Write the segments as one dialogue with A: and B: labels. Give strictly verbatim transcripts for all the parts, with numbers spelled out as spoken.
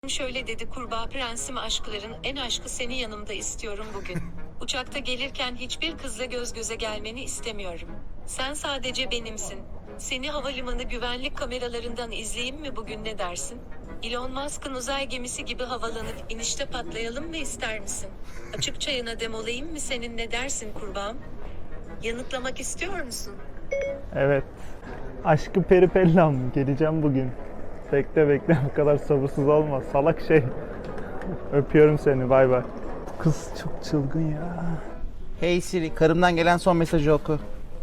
A: Şöyle dedi kurbağa prensim, aşkların en aşkı seni yanımda istiyorum bugün. Uçakta gelirken hiçbir kızla göz göze gelmeni istemiyorum. Sen sadece benimsin. Seni havalimanı güvenlik kameralarından izleyeyim mi bugün, ne dersin? Elon Musk'ın uzay gemisi gibi havalanıp inişte patlayalım mı, ister misin? Açık çayına demolayayım mı senin, ne dersin kurbağam? Yanıtlamak istiyor musun?
B: Evet. Aşkı peripellam. Geleceğim bugün. Bekle bekle, bu kadar sabırsız olma. Salak şey. Öpüyorum seni, bay bay. Bu kız çok çılgın ya.
C: Hey Siri, karımdan gelen son mesajı oku.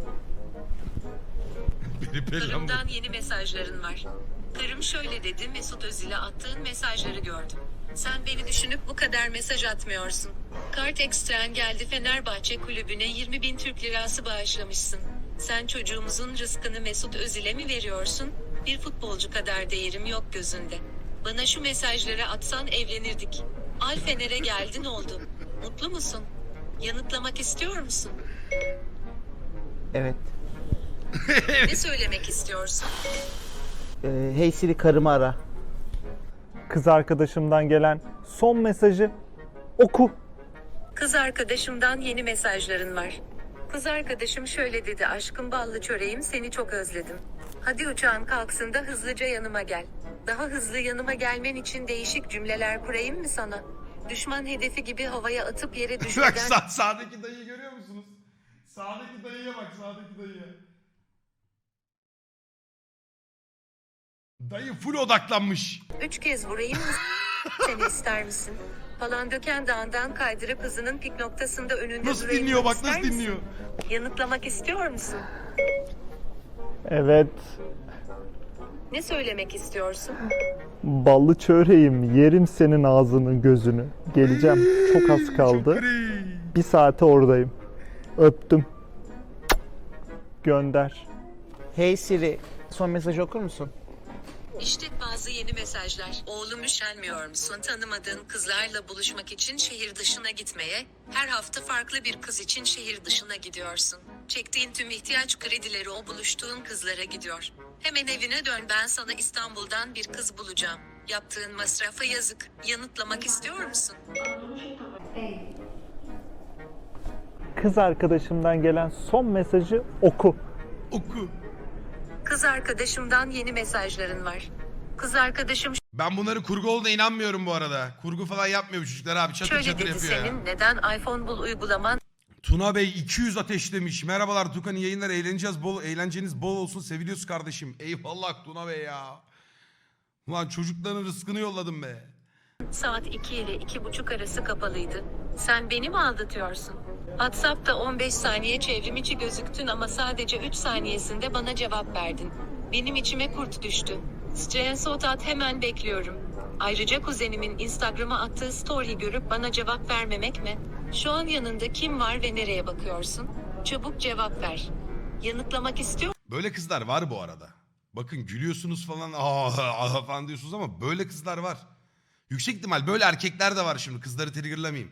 A: Karımdan yeni mesajların var. Karım şöyle dedi: Mesut Özil'e attığın mesajları gördüm. Sen beni düşünüp bu kadar mesaj atmıyorsun. Kart ekstren geldi, Fenerbahçe kulübüne yirmi bin Türk lirası bağışlamışsın. Sen çocuğumuzun rızkını Mesut Özil'e mi veriyorsun? Bir futbolcu kadar değerim yok gözünde. Bana şu mesajları atsan evlenirdik. Al Fener'e geldin, oldu. Mutlu musun? Yanıtlamak istiyor musun?
C: Evet.
A: Ne söylemek istiyorsun?
C: Ee, hey Siri, karımı ara.
B: Kız arkadaşımdan gelen son mesajı oku.
A: Kız arkadaşımdan yeni mesajların var. Kız arkadaşım şöyle dedi: aşkım ballı çöreğim, seni çok özledim. Hadi uçağın kalksın da hızlıca yanıma gel. Daha hızlı yanıma gelmen için değişik cümleler kurayım mı sana? Düşman hedefi gibi havaya atıp yere
D: Bak
A: düşürden...
D: sağ, sağdaki dayıyı görüyor musunuz? Sağdaki dayıya bak, sağdaki dayıya. Dayı full odaklanmış.
A: Üç kez vurayım mı? Seni ister misin? Palandöken Dağı'ndan kaydırıp hızının pik noktasında önünde
D: Nasıl
A: durayım
D: dinliyor
A: mı,
D: bak,
A: ister
D: nasıl
A: misin?
D: dinliyor.
A: Yanıtlamak istiyor musun?
B: Evet.
A: Ne söylemek istiyorsun?
B: Ballı çöreğim, yerim senin ağzını gözünü. Geleceğim, çok az kaldı.
D: Şükri.
B: Bir saate oradayım. Öptüm. Gönder.
C: Hey Siri, son mesajı okur musun?
A: İşte bazı yeni mesajlar. Oğlum, üşenmiyor musun tanımadığın kızlarla buluşmak için şehir dışına gitmeye? Her hafta farklı bir kız için şehir dışına gidiyorsun. Çektiğin tüm ihtiyaç kredileri o buluştuğun kızlara gidiyor. Hemen evine dön, ben sana İstanbul'dan bir kız bulacağım. Yaptığın masrafa yazık. Yanıtlamak istiyor musun?
B: Kız arkadaşımdan gelen son mesajı oku.
D: Oku.
A: Kız arkadaşımdan yeni mesajların var. Kız arkadaşım
D: Ben bunları kurgu olduğuna inanmıyorum bu arada. Kurgu falan yapmıyor bu çocuklar abi. Çatır
A: şöyle
D: çatır
A: dedi:
D: yapıyor ya.
A: senin neden iPhone bul uygulaman
D: Tuna Bey iki yüz ateşlemiş. Merhabalar Tukan, iyi yayınlar, eğleneceğiz, bol eğlenceniz bol olsun, seviliyoruz kardeşim. Eyvallah Tuna Bey ya. Ulan çocukların rızkını yolladım be.
A: saat iki ile iki buçuk arası kapalıydı. Sen beni mi aldatıyorsun? WhatsApp'ta on beş saniye çevrim içi gözüktün ama sadece üç saniyesinde bana cevap verdin. Benim içime kurt düştü. Screenshot at, hemen bekliyorum. Ayrıca kuzenimin Instagram'a attığı story görüp bana cevap vermemek mi? Şu an yanında kim var ve nereye bakıyorsun? Çabuk cevap ver. Yanıtlamak istiyor
D: Böyle kızlar var bu arada. Bakın gülüyorsunuz falan, aa, aa falan diyorsunuz ama böyle kızlar var. Yüksek ihtimal böyle erkekler de var şimdi, kızları triggerlamayayım.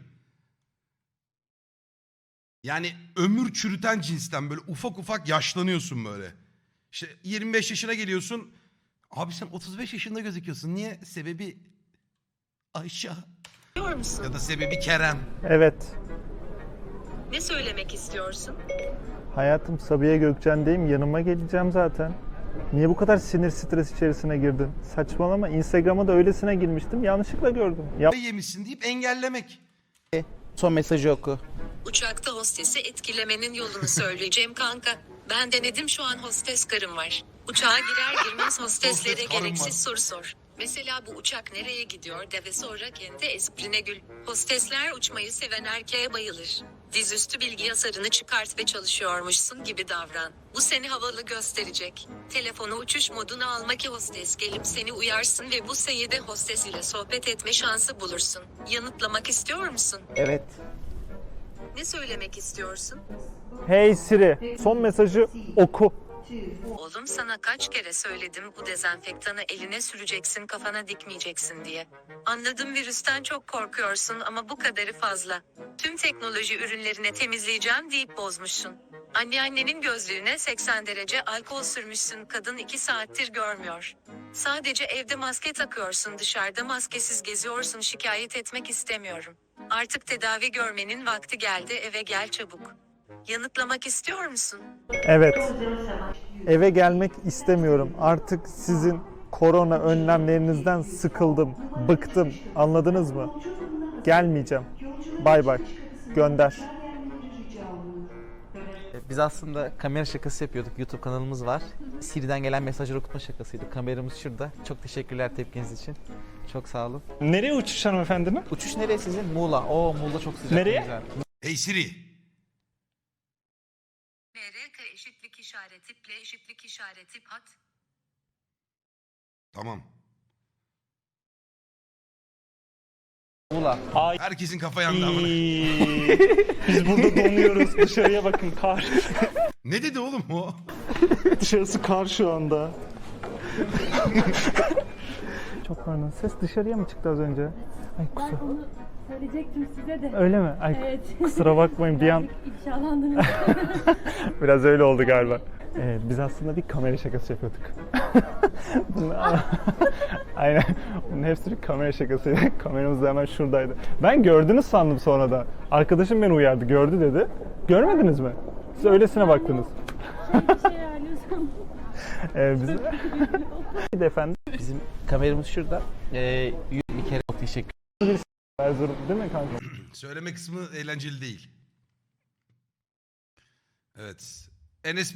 D: Yani ömür çürüten cinsten, böyle ufak ufak yaşlanıyorsun böyle. İşte yirmi beş yaşına geliyorsun. Abi sen otuz beş yaşında gözüküyorsun. Niye? Sebebi Ayşe
A: musun?
D: ya da sebebi Kerem.
B: Evet.
A: Ne söylemek istiyorsun?
B: Hayatım, Sabiha Gökçen'deyim. Yanıma geleceğim zaten. Niye bu kadar sinir stres içerisine girdin? Saçmalama. Instagram'a da öylesine girmiştim. Yanlışlıkla gördüm. Ya
D: Yemişsin deyip engellemek.
C: Son mesajı oku.
A: Uçakta hostesi etkilemenin yolunu söyleyeceğim kanka. Ben denedim, şu an hostes karım var. Uçağa girer girmez hosteslere
D: Hostes karım
A: gereksiz
D: var.
A: soru sor. Mesela bu uçak nereye gidiyor de ve sonra kendi esprine gül. Hostesler uçmayı seven erkeğe bayılır. Dizüstü bilgi yasarını çıkart ve çalışıyormuşsun gibi davran. Bu seni havalı gösterecek. Telefonu uçuş moduna alma ki hostes gelip seni uyarsın ve bu sayede hostes ile sohbet etme şansı bulursun. Yanıtlamak istiyor musun?
C: Evet.
A: Ne söylemek istiyorsun?
B: hey Siri, son mesajı oku.
A: Oğlum, sana kaç kere söyledim bu dezenfektanı eline süreceksin, kafana dikmeyeceksin diye. Anladım, virüsten çok korkuyorsun ama bu kadarı fazla. Tüm teknoloji ürünlerine temizleyeceğim deyip bozmuşsun. Anneannenin gözlüğüne seksen derece alkol sürmüşsün, kadın iki saattir görmüyor. Sadece evde maske takıyorsun, dışarıda maskesiz geziyorsun, şikayet etmek istemiyorum. Artık tedavi görmenin vakti geldi, eve gel çabuk. Yanıtlamak istiyor musun?
B: Evet. Eve gelmek istemiyorum. Artık sizin korona önlemlerinizden sıkıldım, bıktım. Anladınız mı? Gelmeyeceğim. Bay bay. Gönder.
C: Biz aslında kamera şakası yapıyorduk. YouTube kanalımız var. Siri'den gelen mesajları okutma şakasıydı. Kameramız şurada. Çok teşekkürler tepkiniz için. Çok sağ olun.
B: Nereye uçuş hanımefendinin?
C: Uçuş nereye sizin? Muğla. Oo, Muğla çok sıcak.
B: Nereye?
C: Güzel.
D: Hey Siri.
A: M R K eşitlik işareti, P eşitlik işareti, at.
D: Tamam.
C: Muğla.
D: Herkesin kafa yandı amına.
B: Biz burada donuyoruz. Dışarıya bakın, kar.
D: Ne dedi oğlum o?
B: Dışarısı kar şu anda. Çok pardon. Ses dışarıya mı çıktı az önce? Ay
E: Ben
B: kusura.
E: onu söyleyecektim size de.
B: Öyle mi? Ay
E: Evet.
B: kusura bakmayın bir an
E: İfşalandınız.
B: biraz öyle oldu galiba. Ee, biz aslında bir kamera şakası yapıyorduk. Bunlar- Aynen. Bunun hepsi bir kamera şakasıydı. Kameramız da hemen şuradaydı. Ben gördünüz sandım sonra da. Arkadaşım beni uyardı. Gördü dedi. Görmediniz mi? Siz öylesine baktınız.
E: Bir şey ayarlıyorsam.
B: Ee, biz... Bir de efendim.
C: Bizim kameramız şurada. Ee, bir kere çok teşekkür
B: Erzurum değil mi kanka?
D: Söyleme kısmı eğlenceli değil. Evet. Enes